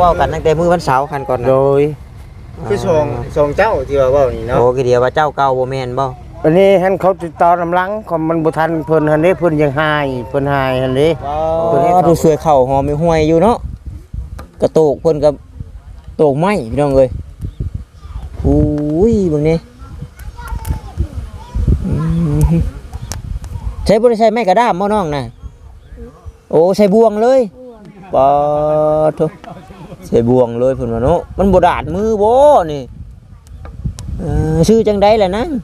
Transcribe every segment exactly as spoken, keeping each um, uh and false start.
ว้ากันตั้งแต่มื้อวันเสาร์คันก่อนนะโดยคือสองสองเจ้าที่ว่าเว้านี่เนาะโอ้คือเดียวว่าเจ้าเก่าบ่แม่นบ่วันนี้หันเขาติดต่อนำหลังก็มันบ่ทันเพิ่นหันนี้เพิ่นยังหายเพิ่นหายหันนี้ตัวนี้ดูสวยเข่าหอมมีห้วยอยู่เนาะกระโตกเพิ่นกับโตกไม้พี่น้องเอ้ยอุ้ยเบิ่งนี่อืมใช้บ่ได้ใช้ไม้กระด้ามบ่น้องน่ะโอ้ใช้บ่วงเลยปอโธ่ใช้บ่วงเลยเพิ่นว่าเนาะมันบ่ดาดมือบ่นี่เออชื่อจังได๋ล่ะนะ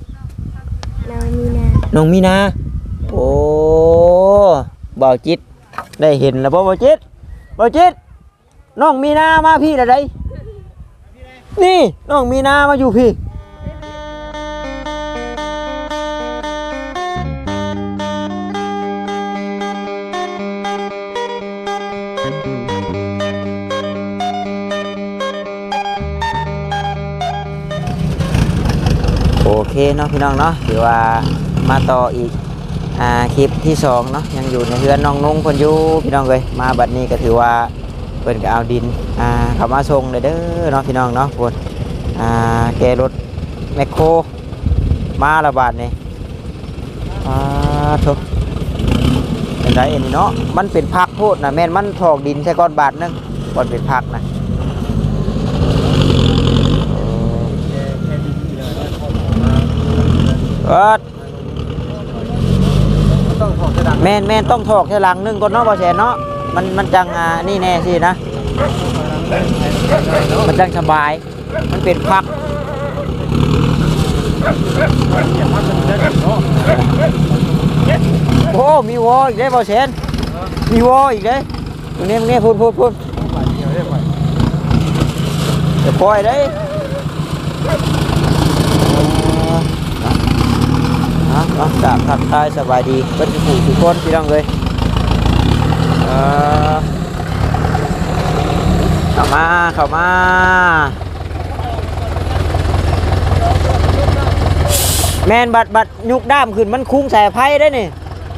น้องมีนาโอ้บ่าวจิตได้เห็นแล้วบ่บ่าวจิตบ่าวจิตน้องมีนามาพี่ละไดนี่น้องมีนามาอยู่พี่โอเคเนาะพี่น้องเนาะถือว่ามาต่ออีกอ่าคลิปที่สองเนาะยังอยู่ในเรือนน้องนุ่งเพิ่นอยู่พี่น้องเลยมาบัดนี้ก็ถือว่าเพิ่นก็เอาดินอ่าเข้ามาส่งเลยเด้อเนาะพี่น้องเนาะเพิ่นอ่าแกรถแมคโครมาละบาดนี่อ่าทุกเป็นไรเอ็นเนาะมันเป็นพักโพดนะแม่นมันถอกดินใส่ก้อนบาทนึงก่อนเป็นพักนะเออแม่นแม่นต้องถอกแค่หลังนึงก่อนเนาะบ่แสนเนาะมันมันจังอ่านี่แน่สินะมันจังสบายมันเป็นพักโอ้มีวออีกได้บ่แสนมีวออีกได้ตรงนี้ตรงนี้พูดพูดพูดจะปล่อยได้นะนะจากทักทายสบายดีเป็นผู้ทุกคนพี่น้องเลยเข้ามาเข้ามาแมนบัดบัดยุกด้ามขึ้นมันคุ้งใส่ไพ่ได้นี่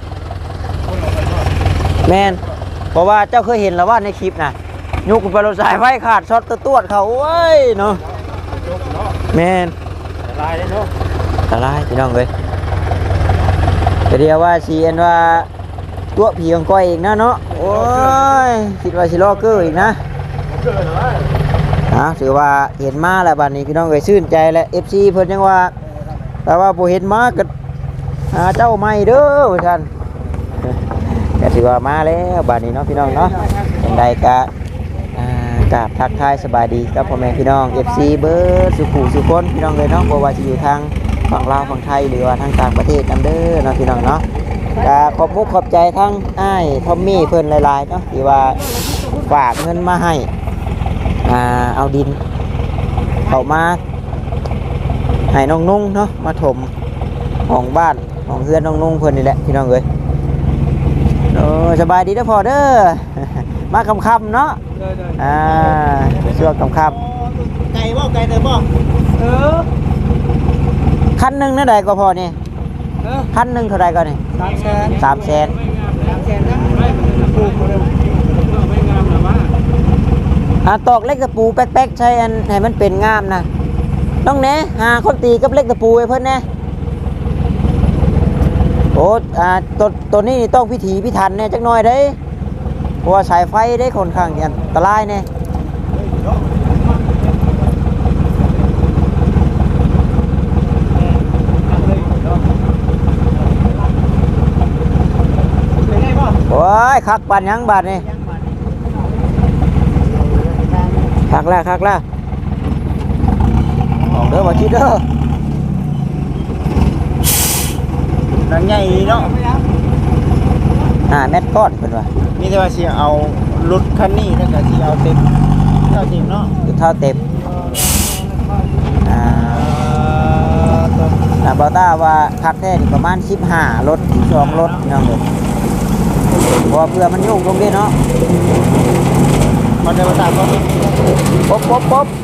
แมนเพราะว่าเจ้าเคยเห็นแล้วว่าในคลิปนะยุกไปรถสายไฟขาดช็อตตัวเขาโอ้ยเนาะแมนตายเลยเนาะตายพี่น้องเลยแต่เดียวว่าชีเอ็นว่าตัวผีของก้อยอีกนะเนาะโอ้ยคิดว่าชิลอกเกอร์อีกนะนะถือว่าเห็นมาแล้วบัดนี้พี่น้องเลยชื่นใจแล้วเอฟซีเพิ่นยังว่าแต่ว่าผู้เห็นมาก็หาเจ้าใหม่เด้อท่านก็ถือว่ามาแล้วบัดนี้เนาะพี่น้องเนาะอย่างใดก็กราบทักทายสบายดีกับพ่อแม่พี่น้อง เอฟ ซี เบิร์ดสุขุสุคนพี่น้องเลยเนาะบ่ว่าจะอยู่ทางฝั่งลาวฝั่งไทยหรือว่าทางต่างประเทศนำเด้อเนาะพี่น้องเนาะก็ขอบมุกขอบใจทั้งอ้ายทอมมี่เพิ่นหลายๆเนาะที่ว่าฝากเงินมาให้อ่าเอาดินเข้ามาให้น้องนุ่งเนาะมาถมห้องบ้านห้องเฮือนน้องนุ่งเพิ่นนี่แหละพี่น้องเอ้ยโอ้สบายดีเด้อพ่อเด้อ มาค่ำๆเนาะอ่าช่วงค่ำไก่บ่ไก่เด้อบ่เออๆคันหนึงนั่นใดก็พอนี่เออคันหนึงเท่าใดก็นี่สามแสนสามแสนสามแสนนะปูบ่ได้ไม่งามหรอวะอ่าตอกเล็กตะปูแป๊กๆใช้อันให้มันเป็นงามนะต้องแหน่หาคนตีกับเล็กตะปูไว้เพิ่นแหน่โอ้อ่าตัวตัวนี้ต้องพิถีพิถันแน่จักหน่อยเด้เพราะว่าสายไฟได้ค่อนข้างอันตรายแน่โอ้ยคักปานยังบาดนี่คักแล้วคักแล้วออกเด้อบ่คิดเด้อหนังใหญ่เนาะห้าเมตรก้อนเพิ่นว่ามีแต่ว่าสิเอารถคันนี้แล้วก็สิเอาเต็มเท่าเต็มเนาะคือเท่าเต็มอ่าตัวอ่าบ่ต้าว่าคักแท้นี่ประมาณสิบห้ารถสิบสองรถพี่น้องเอ้ยเพราะว่าเพื่อมันโยกลงเด้เนาะมันได้มาตามก็ป๊บป๊บป๊บ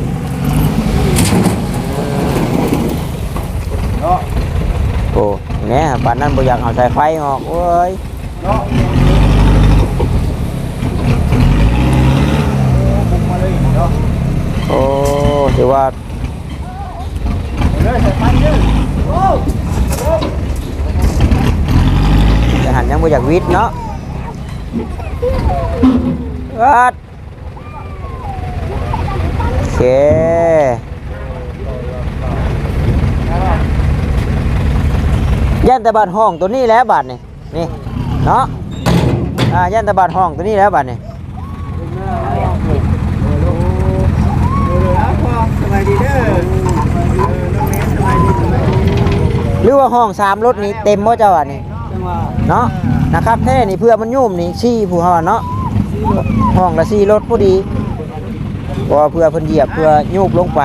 เนาะโอ้เนี่ยบ้านนั้นบ่อยากเอาสายไฟออกโอ้ยเนาะบุกมาบ่อยากวิทย์เนาะวัดโอเคย่านแต่บาดห้องตัวนี้แล้วบาดนี่นี่เนาะอ่าย่านแต่บาดห้องตัวนี้แล้วบาดนี่สบายดีเด้อน้องเนสสบายดีสบายดีหรือว่าห้องสามรถนี้เต็มบ่เจ้าอ่ะนี่จังหวะเนาะนะครับแท้นี่เพื่อมันยุ่มนี่ชี้ผู้เฮาเนาะห้องละสี่รถพอดีเพราะว่าเพื่อเพิ่นเหยียบเพื่อยุบลงไป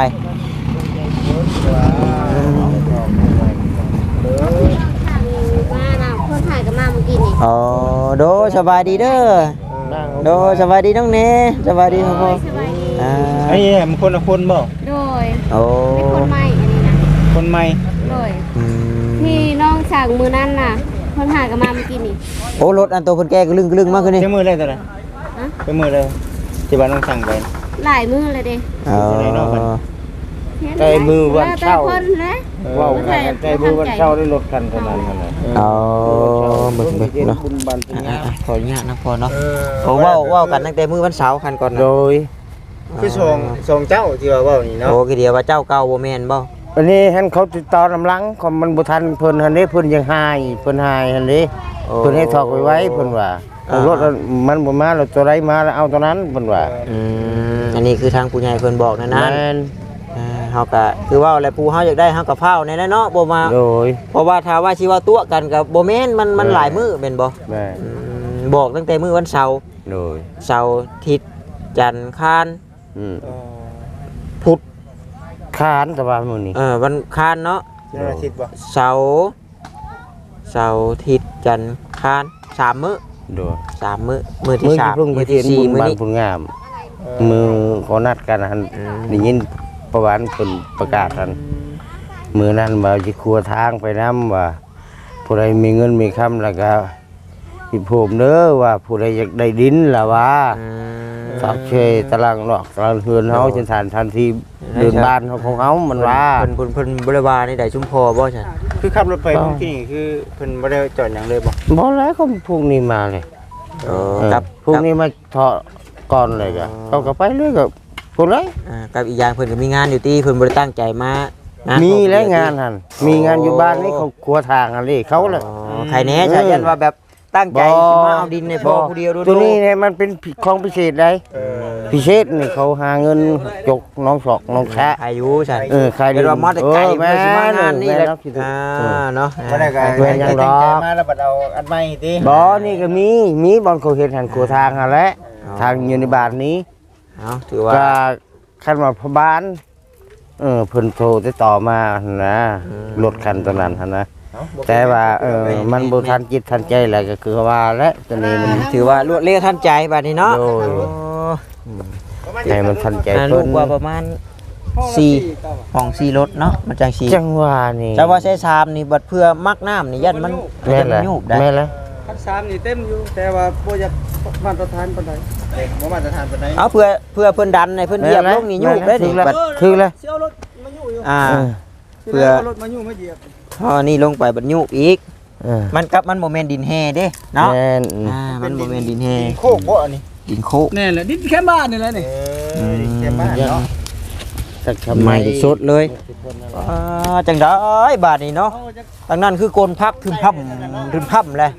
มาน่ะคนถ่ายกับมาเมื่อกี้นี่อ๋อโดสบายดีเด้อโดสบายดีน้องเนสบายดีพ่อพ่อสบายดีอ่าไอ้มันคนละคนบ่โดยโอ้เป็นคนใหม่อันนี้นะคนใหม่โดยอืมที่น้องสั่งมือนั่นน่ะคนถ่ายกับมาเมื่อกี้นี่โอ้รถอันโตเพิ่นแก้กระลึงกระลึงมากขึ้นนี่เจ้ามือเลยตัวไหนอะเจ้ามือเลยที่บ้านน้องสั่งไปหลายมือเลยเด้อ๋อใจมือวันเช้าแล้วแต่คนนะว้าวใจมือวันเช้าได้รถคันเท่านั้นนั่นแหละอ๋อเบิ่งเบิ่งเนาะบุญบันเป็นอ่ะงานอ่ะขออนุญาตนะพ่อเนาะโอ้เว้าเว้ากันตั้งแต่มื้อวันเสาร์คันก่อนนะโดยคือส่งส่งเจ้าที่ว่าเว้านี่เนาะโอ้คือเดียวว่าเจ้าเก่าบ่แม่นบ่วันนี้เห็นเขาติดต่อลำลังของมันบ่ทันเพิ่นหันนี้เพิ่นยังหายเพิ่นหายหันนี้เพิ่นให้ถอกไว้ไว้เพิ่นว่าเอารถมันบ่มาแล้วตัวใดมาแล้วเอาตัวนั้นเพิ่นว่าอืมอันนี้คือทางผู้ใหญ่เพิ่นบอกนะนะแม่นอ่าเฮาก็คือว่าอะไรผู้เฮาอยากได้เฮาก็เฝ้าในนั้นเนาะบ่มาโดยเพราะว่าถ้าว่าสิว่าตัวกันก็บ่แม่นมันมันหลายมื้อแม่นบ่แม่นอืมบอกตั้งแต่มื้อวันเสาร์โดยเสาร์อาทิตย์จันทร์คานอืมพุธคานแต่ว่ามื้อนี้เออวันคานเนาะเจ้าอาทิตย์บ่เสาร์เสาร์อาทิตย์จันทร์คานสามมื้อโดยสามมื้อมื้อที่มื้อสาที่มเพิ่งไปมื้อเทียที่นสี่บุญมื้อบันนี้บุญงาม มือเขานัดกันหันอืมได้ยินประวันเพิ่นประกาศหันมือนั้นว่าสิครัวทางไปนํว่าผู้ใดมีเงินมีคำแล้วก็สิผมเด้อว่าผู้ใดอยากได้ดินล่ะว่าอืมฝากเชยตารางนอกตารางเฮือนเฮาจังซั่นทันทีเดินบ้านเฮาของเฮามันว่าเพิ่นเพิ่นเพิ่นบริวารนี่ได้ชุมพอบ่ใช่คือขับรถไปเมื่อกี้นี่คือเพิ่นบ่ได้จอดหยังเลยบ่บ่แล้วก็พวกนี้มาเลยเออเออกับพวกนี้มาเถาะก่อนเลยก็เขาก็ไปเลยก็พวกเลยอ่ากับอีกอย่างเพิ่นก็มีงานอยู่ที่เพิ่นบ่ได้ตั้งใจมานะมีแล้วงานหันมีงานอยู่บ้านนี่เขาครัวทางอันนี้เขาเลยอ๋อใครแน่ใช่ยันว่าแบบตั้งใจสิมาเอาดินในพ่อผู้เดียวดูตัวนี้เนี่ยมันเป็นของพิเศษได้เออพิเศษนี่เขาหาเงินจกน้องศอกน้องแคะอายุใช่เออใครเดี๋ยวว่ามาแต่ไกลเออเพื่อสิมางานนี่แหละแม่นแม่นอ่าเนาะบ่ได้ก็แม่นยังดอกตั้งใจมาแล้วบัดเอาอันใหม่ติบ่นี่ก็มีมีบอลเขาเห็นหันครัวทางหันแหละทางอยู่ในบ้านนี้เอาถือว่าก็คันว่าพบ้านเออเพิ่นโทรติดต่อมาหั่นนะรถคันตัวนั้นหั่นนะเอ้บ่แต่ว่าเออมันบ่ทันจิตทันใจแหละก็คือว่าและตัวนี้มันถือว่ารวดเร็วทันใจบัดนี้เนาะโดยโอ้ให้มันทันใจอ่าลูเพิ่กนว่าประมาณสี่ห้องสี่รถเนาะมันจังสี่จังหวะนี่แต่ว่าใช้ชามนี่บัดเพื่อมักน้ำนี่ยันมันแม่นมัแหละนยุบได้แม่นแหละคันสามนี่เต็มอยู่ แต่ว่าบ่อยากมาตรฐานปานใดเด็กบ่มาตรฐานปานใดเอาเพื่อเพื่อเพิ่นดันในเพิ่นเหยียบลงนี่ยุบได้ดิบัดคือเลยสิเอารถมาอยู่อยู่อ่าเออเพื่อรถมาอยู่มาเหยียบพอนี่ลงไปบัดยุบอีกเออมันกับมันโมเมนดินแห่เด้เนาะแม่นอ่ามันโมเมนดินแห่โคกบ่อันนี้ดินโคกแน่แหละดินแค่บ้านนี่แหละเอนี่อแค่บ้านเนาะสักทำไมสดเลยอ่าจังได้บาทนี่เนาะทางนั้นคือโกนพักทึมพั่มทึมพั่มเลย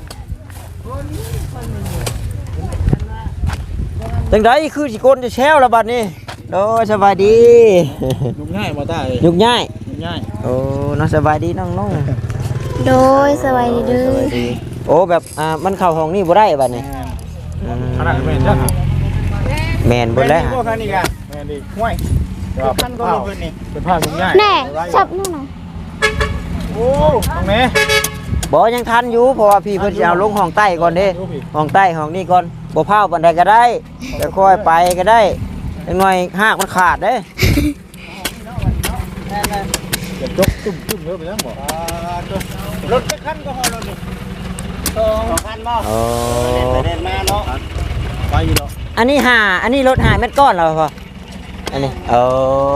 จังได้คือสิโกนจะแช่วละบาทนี่โอ้ยสบายดียุกง่ายบ่ได้ยุกง่ายยุกง่ายโอ้น้องสบายดีน้องน้องโดยสบายดีเด้อโอ้แบบอ่ามันเข้าห้องนี่บ่ได้บาทนี่อืมขนาดแม่นจ้ะแมนเบ่แล้วบ่คันนี้ก็แม่นดิห้วยคันก็ลงพื้นนี่เป็นผ้าลุงง่ายแน่จับนู่นน่ะโอ้ตรงนี้บ่ยังทันอยู่เพราะว่าพี่เพิ่นสิเอาลงห้องใต้ก่อนเด้ห้องใต้ห้องนี้ก่อนบ่พาวปานใดก็ได้จะค่อยไปก็ได้จังหน่อยหากมันขาดเด้จะจกตุ้มตุ้มเด้อไปยังบ่รถจะคันก็ฮอรถนี่สองคันบ่โอ้เดินมาเนาะไปอยู่เนาะอันนี้หาอันนี้รถหาเม็ดก้อนแล้วพออันนี้โอ้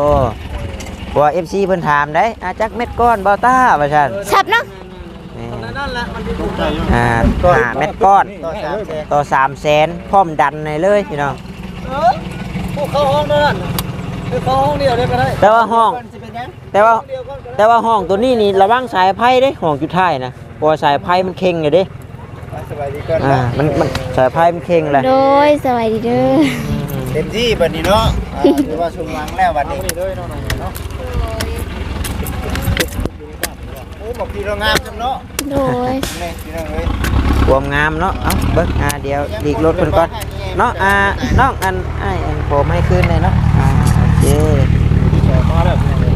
เพราะว่า เอฟ ซี เพิ่นถามได้อาจักเม็ดก้อนบ่ต้าว่าซั่นชับเนาะแม่ได้นั่นแหละมันจะถูกใจอ่าห้าเม็ดก้อนต่อสามแสนต่อสามแสนพร้อมดันในเลยพี่น้องเออพวกเข้าห้องนั่นคือเข้าห้องเดียวได้ก็ได้แต่ว่าห้องสิเป็นหยังแต่ว่าเดียวก็ได้แต่ว่าห้องตัวนี้นี่ระวังสายไฟเด้ห้องจุดท้ายนะเพราะว่าสายไฟมันเค็งอยู่เด้สบายดีก่อนอ่ามันมันสายไฟมันเค็งแหละโดยสวัสดีเด้อเต็มที่บัดนี้เนาะอ่าถือว่าชุมวังแล้วบัดนี้นี่เลยน้องๆเนาะโอ้บอกพี่เรางามจังเนาะโดยนี่พี่น้องเอ้ยความงามเนาะเอ้าเบิ่งอ่าเดี๋ยวดีกรถเพิ่นก่อนเนาะอ่าน้องอันไอ้อันผมให้คืนเลยเนาะอ่าโอเคมาแล้ว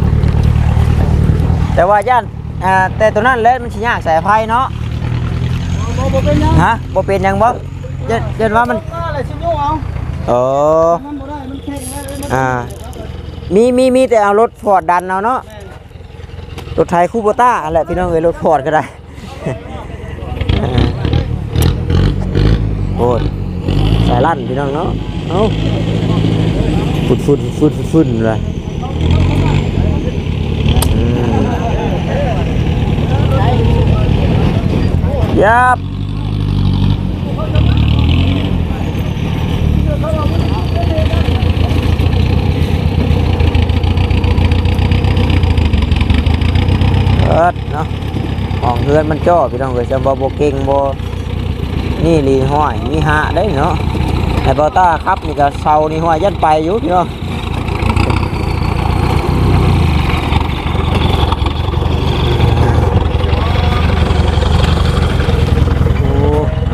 แต่ว่าย่านอ่าแต่ตัวนั้นแหละมันสิยากสายไฟเนาะบ่บ่เป็นหยังฮะบ่เป็นหยังบ่เยันยันว่ามันมาอะไรชิโยเอาโอ้มันบ่ได้มันแข็งแล้วอ่ามีมีมีแต่เอารถฟอร์ดดันเอาเนาะรถไทยคูโบต้าอะไรพี่น้องเอ้ยรถฟอร์ดก็ได้ อ่าโอ้ยสายลั่นพี่น้องเนาะเอ้าฟุดฟุดฟุดฟุดฟุดเลยอืมยับเอิดเนาะห้องเฮือนมันจ่อพี่น้องเอ้ยจะบ่บ่เก่งบ่นี่ลีห้อยมีหะได้เนาะไอ้บอต้าครับนี่ก็เซานี่ห้อยยันไปอยู่พี่น้องโอ้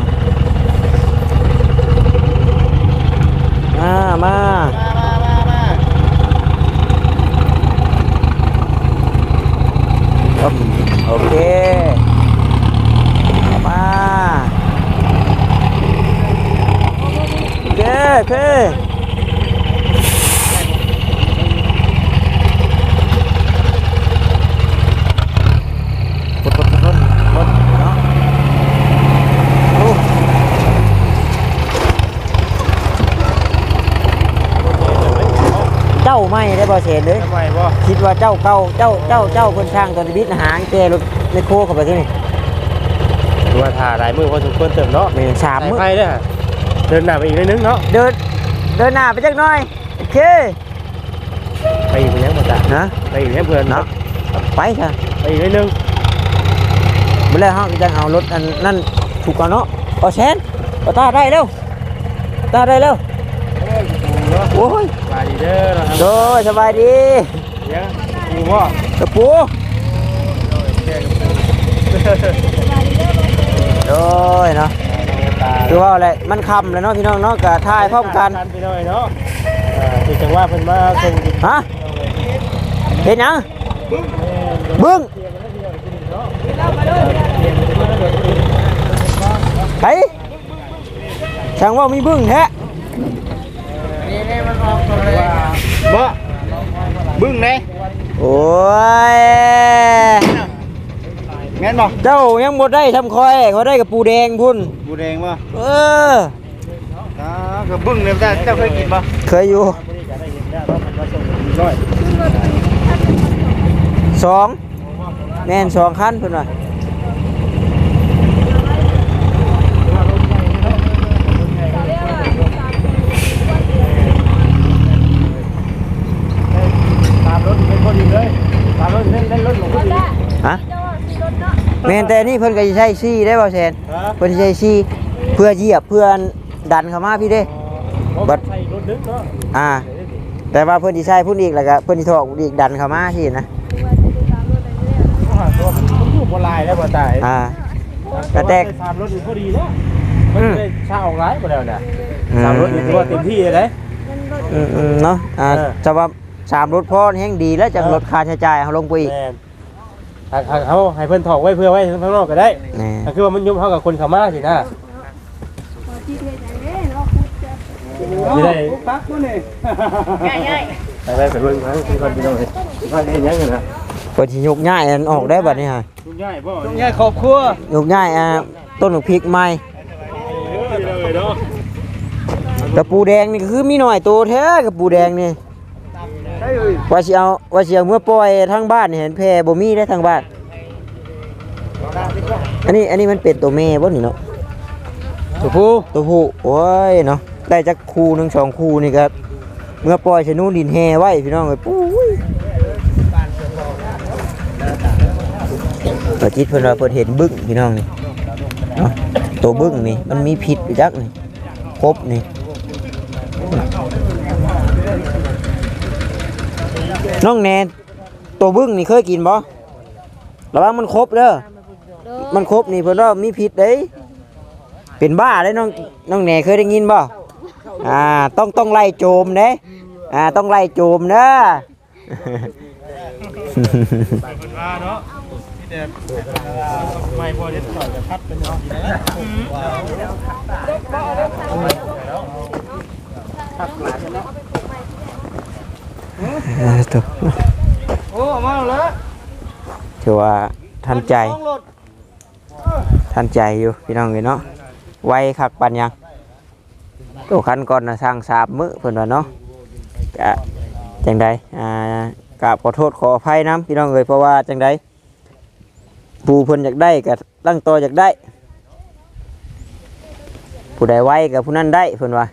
มามามามามามาครับโอเคมาโอเคโอเคกดกดกดกดเนาะโอ้เจ้าไม่ได้บ่เสียเลยทำไมบ่คิดว่าเจ้าเก่าเจ้าเจ้าเจ้าคนช่างตอนบิดหางแกรถในโคเข้าไปที่นี่ดูว่าถ่าหลายมือพอสมควรเติมเนาะนี่สามสายมื้อไฟเด้อเดินหน้าไปอีกนิดนึงเนาะเดินเดินหน้าไปจักหน่อยโอเคไปอีกนิดนึงมาจ้ะนะไปอีกนิดนึงเพื่อนเนาะเนาะไปค่ะไปอีกนิดนึงเมื่อไรห้องจะเอารถอันนั่นถูกก่อนเนาะเอาแชนเอาตาได้เร็วตาได้เร็วโอ้ยมาดีเด้อนะครับโดยสบายดีเดี๋ยวกูพ่อกระปูโดยเนาะคือว่าอะไรมันคำเลยเนาะพี่น้องเนาะกับทายพร้อมกันไปหน่อยเนาะอ่าคือจังว่าเพิ่นมาส่งฮะเห็นยังบึ้งไอ้ช่างว่ามีบึ้งแท้นี่นี่มันออกตัวเลยบ่บึ้งไหนโอ้ยแม่นบ่เจ้ายังหมดได้ทำคอยเขาได้กับปูแดงพุ่นบูแดงบ่เอออ่าก็บึ้งเนี่ยเจ้าเคยกินบ่เคยอยู่สองแม่นสองคันเพิ่นว่าฮะแม่นแต่นี่เพิ่นก็สิใช้ซี่ได้บ่แซนเพิ่นสิใช้ซี่เพื่อเหยียบเพื่อดันเข้ามาพี่เด้บัดอ่า แต่ว่าเพิ่นสิใช้พุ่นอีกแล้วก็เพิ่นสิถอกอีกดันเข้ามาสินะผู้บ่ลายแล้วบ่ตายอ่า กระแตกสามรถนี่พอดีเนาะมันได้ชาออกหลายบ่แล้วน่ะสามรถนี่ถือว่าเต็มที่เลยอืมๆเนาะอ่าเออจะว่าสามรถพอแห่งดีแล้วจังลดค่าใช้จ่ายเอาลงไปอีกแม่นถ้าถ้าเขาให้เพิ่นถอกไว้เพื่อไว้ข้างนอกก็ได้นี่ถ้าคือว่ามันยุ่มเฮากับคนเข้ามาสินะสิได้ปักมื้อนี่ไปไปไปเบิ่งเขาคือคนพี่น้องเอ้ยว่าได้หยังกันนะเพิ่นสิยกย้ายอันออกได้บัดนี้ฮะทุกง่ายบ่ต้องแยกครอบครัวยกย้ายอ่าต้นพริกใหม่เลยเนาะกระปูแดงนี่ก็คือมีหน่อยโตแท้กระปูแดงนี่ได้เอ้ยว่าสิเอาว่าสิเอาเมื่อปล่อยทางบ้านนี่เห็นแพร่บ่มีได้ทางบ้านอันนี้อันนี้มันเป็นตัวแม่บ่นี่เนาะตัวผู้ตัวผู้โอ้ยเนาะได้จักคู่หนึงสองคู่นี่ครับเมื่อปล่อยชะนูดินแฮไว้พี่น้องเอ้ยปุ้ยตัวจิตเพิ่นว่าเพิ่นเห็นบึ้งพี่น้องนี่เนาะตัวบึ้งนี่มันมีพิษอยู่จักนี่ครบนี่น้องแนนตัวบึ้งนี่เคยกินบ่ระวังมันครบเด้อมันครบนี่เพิ่นว่ามีพิษเด้เป็นบ้าเลยน้องน้องแหน่เคยได้ยินบ่อ่าต้องต้องไล่โจมเด้อ่าต้องไล่โจมเด้อเป็นว่าเนาะที่แต่ไม่พอที่ต่อยจะพัดเป็นเนาะอ่าตัวโอ้มาแล้วถือว่าทันใจทันใจอยู่พี่น้องเลยเนาะไวคักปันยังตัวคันก่อนนะสร้างสามมื้อเพิ่นว่าเนาะกะจังใดอ่ากราบขอโทษขออภัยน้ำพี่น้องเลยเพราะว่าจังใดผู้เพิ่นอยากได้กับตั้งตัวอยากได้ผู้ใดไวกับผู้นั้นได้เพิ่นว่า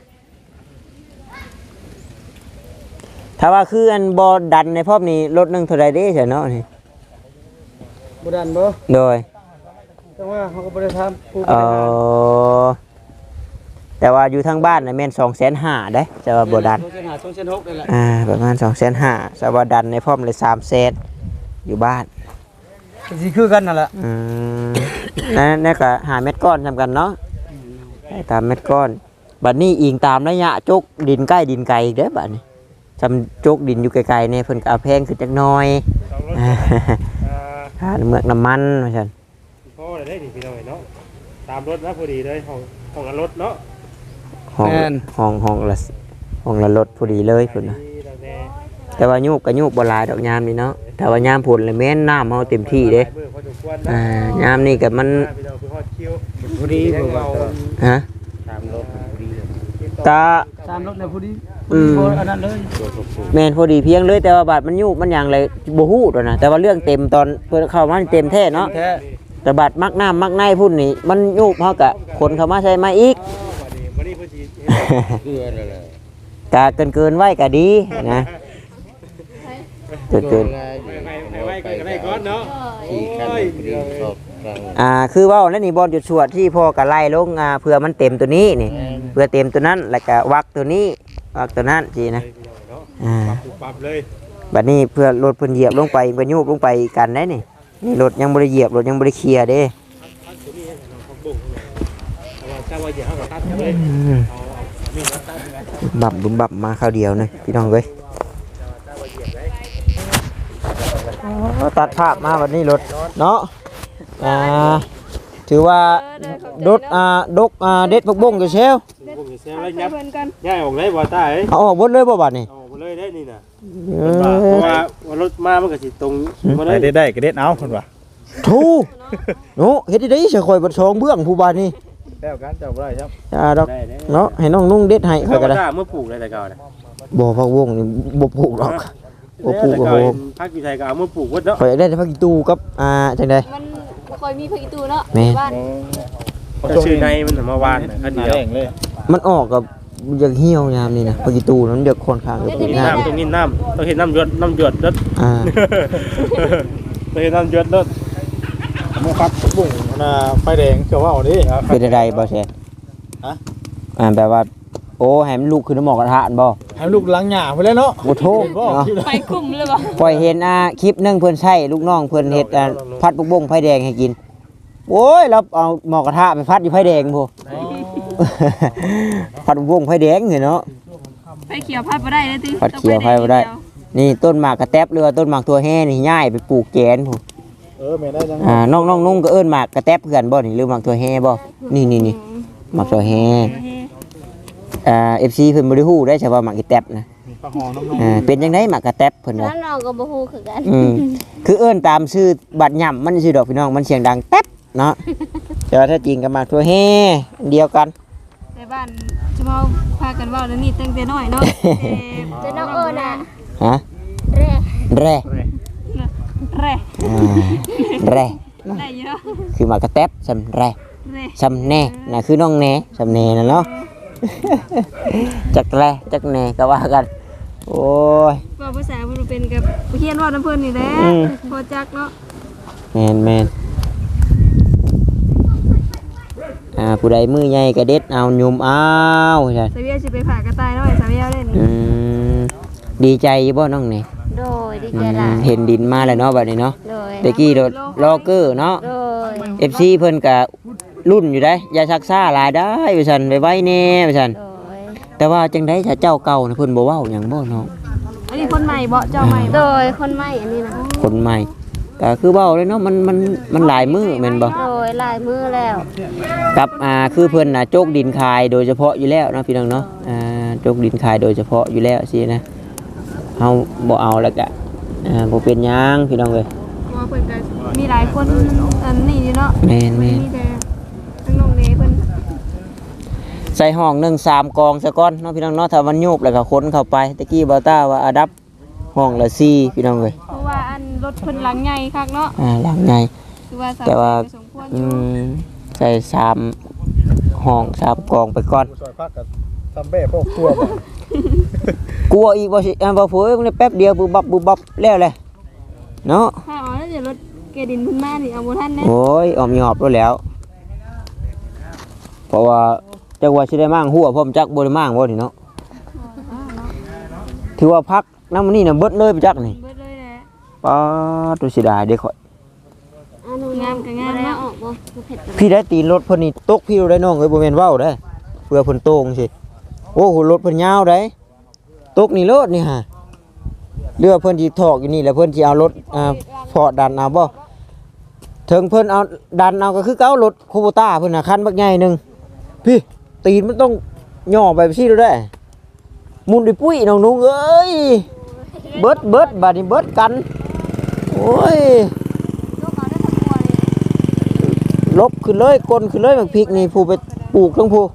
ถ้าว่าคืออันบอดันในพอบนี้รถหนึงเท่าไรเด้ใช่เนาะนี่บ่ดันบ่โดยแต่ว่าเขาก็บ่ได้ทำผู้เออแต่ว่าอยู่ทางบ้านน่ะแม่นสองแสนห้าได้จะว่าบดันต้องเส้นหาต้องเส้นหกนี่แหละอ่าประมาณสองแสนห้าจะว่าดันในพร้อมเลยสามแสนอยู่บ้านสิคือกันนั่นแหละอืมนั่นนั่นก็หาเม็ดก้อนทำกันเนาะให้ตามเม็ดก้อนบัดนี้อิงตามระยะจกดินใกล้ดินไกลอีกเด้อบัดนี้จำจกดินอยู่ไกลๆเนี่ยเพิ่นก็เอาแพงขึ้นจักหน้อยค่าเมือกน้ำมันว่าซั่นพ่อได้ดิพี่น้องเนาะตามรถนะพอดีเลยของของรถเนาะห้องห้องห้องละห้องละรถพอดีเลยเพิ่นน่ะ แต่ว่ายุบกับยุบบ่หลายดอกยามนี่เนาะแต่ว่ายามผลเลยแม่นน้ำเฮาเต็มที่เด้อ่ายามนี่ก็มันฮะตามรถพอดีเลยตาตามรถเลยผู้ดีอืมบ่อันนั้นเลยแม่นพอดีเพียงเลยแต่ว่าบาดมันยุบมันหยังเลยบ่ฮู้ดอกนะแต่ว่าเรื่องเต็มตอนเพิ่นเข้ามาเต็มแท้เนาะแท้แต่บาดมักน้ำมักในพุ่นนี่มันยุบเฮาก็คนเข้ามาใส่มาอีกเกลือนั่นแหละกะเกินเกินๆไว้ก็ดีนะเกินเกินไว้ก็ได้ก่อนเนาะขี่คันพอดีชอบกลางอ่าคือเว้าแล้วนี่บอลจุดชวดที่พ่อก็ไล่ลงอ่าเพื่อมันเต็มตัวนี้นี่เพื่อเต็มตัวนั้นแล้วก็วักตัวนี้วักตัวนั้นสินะอ่าปรับเลยบัดนี้เพื่อรถเพิ่นเหยียบลงไปเพิ่นยูบลงไปกันได้นี่นี่รถยังบ่ได้เหยียบรถยังบ่ได้เคลียร์เด้เจ้าว่าอย่าเอากับตัดเลยอืมบับบุมบับมาคราวเดียวนะพี่น้องเว้ยอ๋อตัดภาพมาวันนี้รถเนาะอ่าถือว่ารถอ่าดกอ่าเด็ดผักบุ้งอยู่เชลผมจะเซลแล้วยับย้ายออกเลยบ่ตาเอ้ยเอาออกหมดเลยบ่บัดนี้ออกเลยได้นี่น่ะเอเพราะอว่ารถมามันก็สิตรงมาเลได้ยได้ได้ก็เด็ดเอาคนว่าทูโนเฮ็ดได้สิข่อยบ่ชองเบื้องผู้บาดนี้แล้วกันเจ้าบ่ได้ครับอ่าดอกเนาะให้น้องนุ่งเด็ดให้เขาข่อยก็ก็ได้ได้เมื่อปลูกเลยแต่เก่าน่ะบ่ผักบุ้งนี่บ่ปลูกหรอกบ่ปลูกแต่โอ้เก่าโหภาคอีไทยก็เอาเมื่อปลูกวัดเนาะข่อยอยากได้แต่ผักอีตูกับอ่าจังได๋มันบ่ค่อยมีพระอีตูเนาะแม่บ้านชื่อในมันมาวานคันหน้าเดียวแดงเลยมันออกกับอยากเหี่ยวยามนี่นะผักอีตูนั้นเดือดค่อนข้างจะเป็นน้น้ำตรงนี้น้ำต้องเห็นน้ำหยดน้ำหยดรถำอ่าต้องเห็นน้ำหยดรถมันครับบุ้งน่ะไฟแดงเจ้าว่าเอาดิเป็นอะไรบ่แซ่ฮะอ่าแปลว่าโอ้ให้มันลุกขึ้นหมอกกระทะอันบ่ให้ลูกหลังหญ้าไปเลยเนาะบ่โทษเนาะไปคุ้มเลยบ่ปล่อยเห็นอ่าคลิปหนึงเพิ่นใช้ลูกน้องเพิ่นเฮ็ดอ่าพัดปุกบงไฟแดงให้กินโอ้ยเราเอาหมอกกระทะไปพัดอยู่ไฟแดงพุ่น พัดปุกบงไฟแดงเนาะไปเขียวพัดบ่ได้เลยติพัดเขียวไฟบ่ได้ นี่ต้นหมากกระแตบหรือว่าต้นหมากตัวแห่นี่ย้ายไปปลูกแกนพุ่นเออแม่ได้จังอ่าน้องน้องนุ่งก็เอิ้นหมากกระแตบเพื่อนบ่นี่หรือหมากตัวแห่บ่นี่นี่นี่หมากตัวแห่อ่า เอฟ ซี เพิ่นบ่ได้ฮู้ได้ใช่ว่าหมากกระแตบนะปลาหอมน้องอ่าเป็นจังไดหมากกระแตบเพิ่นว่าแล้วน้องก็บ่ฮู้คือกันอืมคือเอิ้นตามชื่อบัดย่ำมันชื่อดอกพี่น้องมันเสียงดังแต๊บเนาะแต่ว่าถ้าจริงก็หมากตัวแห่อันเดียวกันในบ้านจะมาพากันเว่าเรื่องนี้ตั้งแต่น้อยเนาะเจะน้องเอิ้นน่ะฮะแร่แร่แร่อ่าแร่เนาะได้เยอะคือหมากระแตบสำแรเร่สำแหน่น่ะคือน้องแหน่สำแหน่น่ะเนาะ จักแรจักแหน่ก็ว่ากันโอ้ยว่าภาษาเพิ่นเป็นกับเฮียนว่าน้ำเพิ่นนี่แหละอืมพอจักเนาะแมนแมนอ่าผู้ใดมือใหญ่ก็เด็ดเอาหยุมเอาใช่สาวเวียสิไปผ่ากระต่ายน้อยสาวเวียเล่นอืมดีใจอยู่บ่น้องนี่โดยดีอืใจมหลายเห็นดินมาแล้วเนาะบัดนี้เนาะโดยตะกี้โดดลอเกอร์เนาะโดยเอฟซีเพิ่นก็รุ่นอยู่ได้อย่าชักซ่าหลายได้ว่าซั่นไว้ๆแน่ว่าซั่นโดยแต่ว่าจังได๋ถ้าเจ้าเก่าน่ะเพิ่นบ่เว้าหยังบ่เนาะอันนี้คนใหม่บ่เจ้าใหม่โดบ่ยคนใหม่อันนี้นะคนใหม่ก็คือเว้าเลยเนาะมันมันมันหลายมือแม่นบ่โดยหลายมือแล้วกับอ่าคือเพิ่นน่ะโจกดินคายโดยเฉพาะอยู่แล้วเนาะพี่น้องเนาะอ่าโจกดินคายโดยเฉพาะอยู่แล้วสินะเฮาบ่เอาแล้วก็อ่าบ่เป็นหยังพี่น้องเอ้ยเพราะว่าเพิ่นก็มีหลายคนอันนี้อยู่เนาะแม่นแม่นมีแต่ทั้งน้องเนเพิ่นใส่ห้องหนึ่งสามกองซะก่อนเนาะพี่น้องเนาะถ้ามันโยบแล้วก็ขนเข้าไปตะกี้บ่าวต้าว่าอันดับห้องละสี่พี่น้องเอ้ยเพราะว่าอันรถเพิ่นหลังใหญ่คักเนาะอ่าหลังใหญ่คือว่าสาวแต่ว่าเวียก็สมควรออืยู่มใส่สามห้องสามกองไปก่อนซอยพักกับทำแบ่พวกตัวบ่กลัวอีกบ่สิอ่าบ่ฟูมันแป๊บเดียวบุบบับบุบบับแล้วแหละเนาะถ้าเอาแล้วเดี๋ยวรถเกดินเพิ่นมานี่เอาบ่ทันแน่โอ้ยออมหยอบแล้วแหล้ว เพราะว่าจักว่าสิได้มั่งหัวพร้อมจักบ่ได้มั่งบ่นี่เนาะถือว่าพักน้ำมันนี่น่ะเบิดเลยไปจักนี่เบิดเลยแหละป้าตุสิดาเด้ข่อยอันนู้นงามก็งามบ่ได้เนาะออกบ่บ่เผ็ดกันพี่ได้ตีนรถเพิ่นนี่ตกพี่ได้น้องเอ้ยบ่แม่นเว้าได้เพื่อเพิ่นโตงสิโอ้โหรถเพิ่นยาวได้ตกนี่รถนี่ฮะเรือเพิ่นสิถอกอยู่นี่แล้วเพิ่นสิเอารถอ่าพอดันเอาบ่ถึงเพิ่นเอาดันเอาก็คือเก่ารถโคโบต้าเพิ่นน่ะคันบักใหญ่หนึงพี่ตีนมันต้องย่อไปซี่ดูได้มุนดิปุ้ยน้องนุงเอ้ยเบิดเบิดบัดนี้เบิดกันโอ้ยยกเอาได้ทั้งตัวเลยลบขึ้นเลยกลนขึ้นเลยบักพริกนี่ผู้ไปปลูกทั้งผู้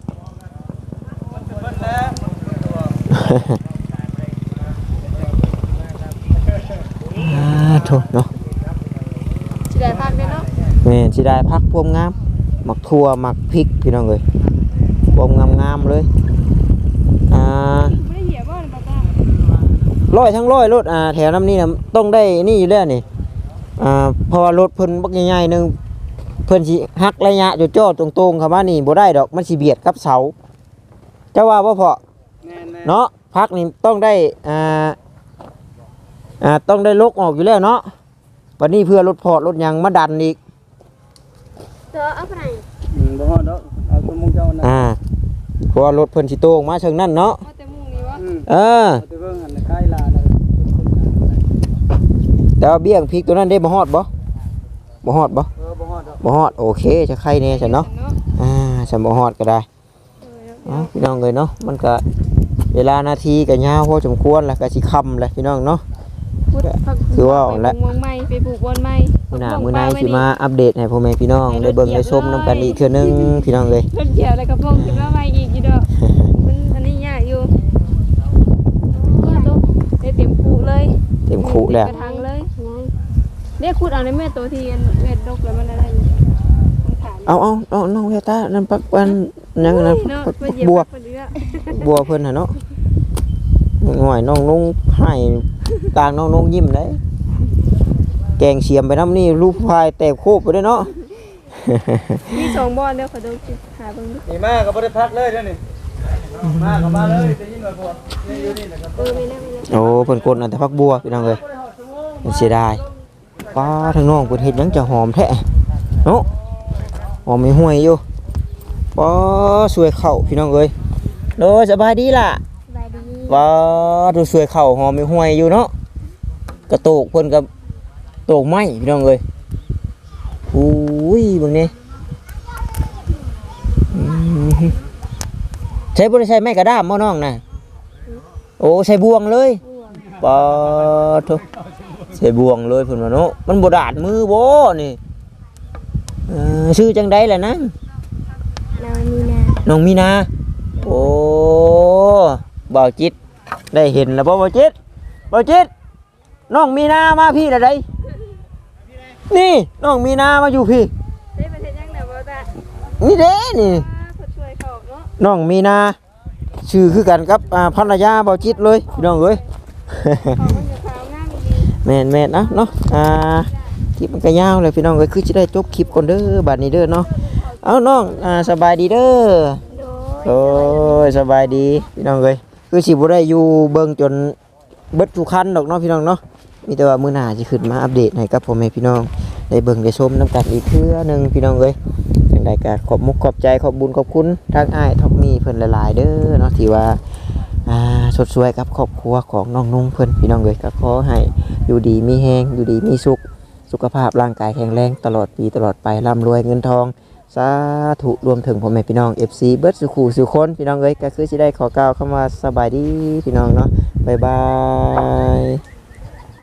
อ่าโถเนาะสิได้พักได้เนาะแม่นสิได้พักพวมงามหมักทั่วหมักพริกพี่น้องเอ้ยพวมงามๆเลยอ่าบ่ได้เหยียบบ่นี่บ่ตาร้อยทั้งร้อยรถอ่าแถวน้ำนี่นะต้องได้นี่อยู่แล้วนี่อ่าเพราะว่ารถเพิ่นบักใหญ่ๆหนึงเพิ่นสิหักระยะจุดจ่อตรงๆเข้ามานี่บ่ได้ดอกมันสิเบียดกับเสาเจ้าว่าบ่พอแน่ๆเนาะพักนี่ต้องได้อ่าอ่าต้องได้ลกออกอยู่แล้วเนาะวันนี้เพื่อรถพอรถหยังมาดันอีกเจอเอาไปไหนอืมบ่ฮอดดอกเอาคนมุงเจ้านะอ่าเพราะว่ารถเพิ่นสิโตออกมาเชิงนั่นเนาะเอาแต่มุงนี่วะอืมเออเอาไปเบิ่งหันใกล้ลาแล้วแต่ว่าเบี้ยงพริกตัวนั้นได้บ่ฮอดบ่บ่ฮอดบ่เออบ่ฮอดดอกบ่ฮอดโอเคจะใครแน่ฉันเนาะอ่าฉันบ่ฮอดก็ได้เอ้าพี่น้องเอ้ยเนาะมันก็เวลานาทีก็ยาวพอสมควรแล้วก็สิค่ำแล้วพี่น้องเนาะพุดพักคือว่าเอาละไปปลูกเมืองใหม่ไปปลูกบอนใหม่มื้อหน้ามื้อไหนสิมาอัปเดตให้พ่อแม่พี่น้องได้เบิ่งได้ชมนํกันอีกเทื่อนึงพี่น้องเอ้ยรถเกี่ยวแล้วก็พงขึ้นมาใหม่อีกอยู่ดอกมันอันนี้ยากอยู่เนี่ยตัวได้เต็มคูเลยเต็มคุแล้วกระทังเลยเรียกขุดเอาในแม่ตัวที่เม็ดดกแล้วมันอะไรอยู่มันขาดเอาเอาเอาน้องเวตานั่นปักปันยังนั่นเนาะปักไปเหยียบัวบเดือบัวเพิ่นน่ะเนาะหน่อยน้องนุ่งให้กลางน้องนุ่งยิ้มได้แกงเสียมไปน้ำนี่ลูกพายแตกโคบไปด้วยเนาะมีสองบอนเดี๋ยวขอดูหาเบิ่งดูนี่มาก็บ่ได้พักเลยเด้อนี่มาก็มาเลยได้ยินว่าพวกนี่อยู่นี่นะครับเออไม่ได้ไม่ได้โอ้เพิ่นกดอันแต่พักบัวพี่น้องเอ้ยมันเสียดายป้าทางน้องเพิ่นเฮ็ดหยังจะหอมแท้เนาะหอมไม่ห่วยอยู่ป้าสวยเข้าพี่น้องเอ้ยโดสบายดีล่ะสบายดีป้าดูสวยเข้าหอมไม่ห่วยอยู่เนาะกระโตกเพิ่นกับโตกไม้พี่น้องเอ้ยอุ้ยเบิ่งนี่อืมใช้บ่ได้ใช้ไม้กระด้ามบ่น้องน่ะโอ้ใช้บ่วงเลย ปอทุใส่บ่วงเลยเพิ่นว่าเนาะมันบ่ดาดมือบ่นี่เออชื่อจังได๋ล่ะนะเรามีนาน้องมีนาโอ้บ่าวจิตได้เห็นแล้วบ่บ่าวจิตบ่าวจิตน้องมีนามาพี่ละไดนี่น้องมีนามาอยู่พี่ได้ประเทศยังไหนบ่ตานี่เด้นี่คนช่วยเขาเนาะน้องมีนาชื่อคือกันกับอ่าภรรยาเบาจิตเลยพี่น้องเอ้ยเขามันจะขาวงามดีแม่นแม่นนะเนาะอ่าคลิปมันก็ยาวเลยพี่น้องเอ้ยคือจะได้จบคลิปก่อนเด้อบัดนี้เด้อเนาะเอาน้องอ่าสบายดีเด้อโดยโอ้ยสบายดีพี่น้องเอ้ยคือสิบ่ได้อยู่เบิ่งจนเบิดทุกคันดอกเนาะพี่น้องเนาะมีแต่ว่ามื้อหน้าสิขึ้นมาอัปเดตให้กับพ่อแม่พี่น้องได้เบิ่งได้ชมนํกันอีกเทื่อหนึงพี่น้องเอ้ยจังไดก็ขอบมุกขอบใจขอบบุญขอบคุณทางอ้ายท็อปมี่เพิ่นหลายๆเด้อเนาะที่ว่าอ่าสดสวยกับครอบครัวของน้องนุ่งเพิ่นพี่น้องเอ้ยก็ขอให้อยู่ดีมีแฮงอยู่ดีมีสุขสุขภาพร่างกายแข็งแรงตลอดปีตลอดไปร่ำรวยเงินทองสาธุรวมถึงพ่อแม่พี่น้อง เอฟ ซี เบิร์ดสุขูสุคนพี่น้องเอ้ยก็คือสิได้ขอกล่าวคำว่าสบายดีพี่น้องเนาะบ๊ายบาย